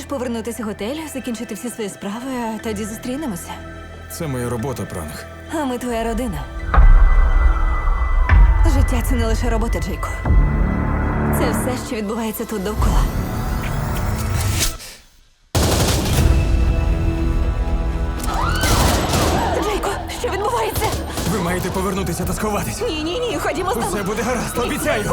повернутися в готель, закінчити всі свої справи, а тоді зустрінемося. Це моя робота, пранк. А ми твоя родина. Життя – це не лише робота, Джейко. Це все, що відбувається тут довкола. Джейко, що відбувається? Ви маєте повернутися та сховатись. Ні, ходімо з тобою. Усе буде гаразд, обіцяю.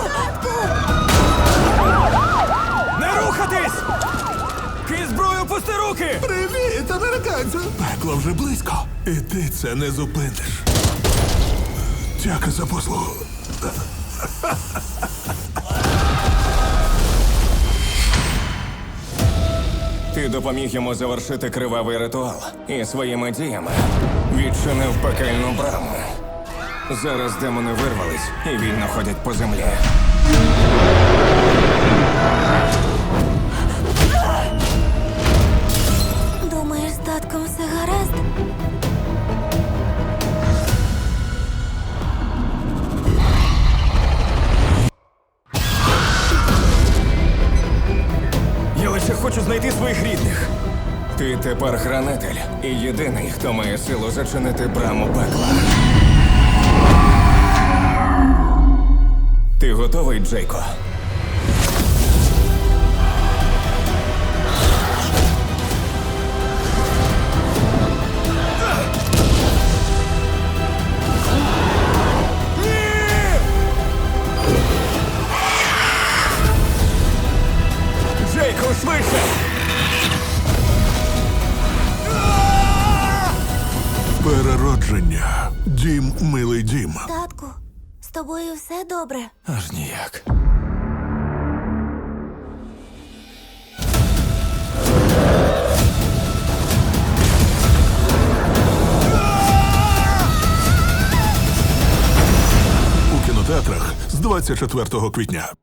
Не рухатись! Ки зброю, пусти руки! Привіт, американцю! Пекло вже близько. І ти це не зупиниш. Дяка за послугу. Ти допоміг йому завершити кривавий ритуал і своїми діями відчинив пекельну браму. Зараз демони вирвались і вільно ходять по землі. Думаєш, з татком все гаразд? Я лише хочу знайти своїх рідних. Ти тепер хранитель і єдиний, хто має силу зачинити браму пекла. Ти готовий, Джейко? Джейко, швидше! Переродження. Дім, милий дім. Татку, з тобою все добре? Аж ніяк. У кінотеатрах з 24 квітня.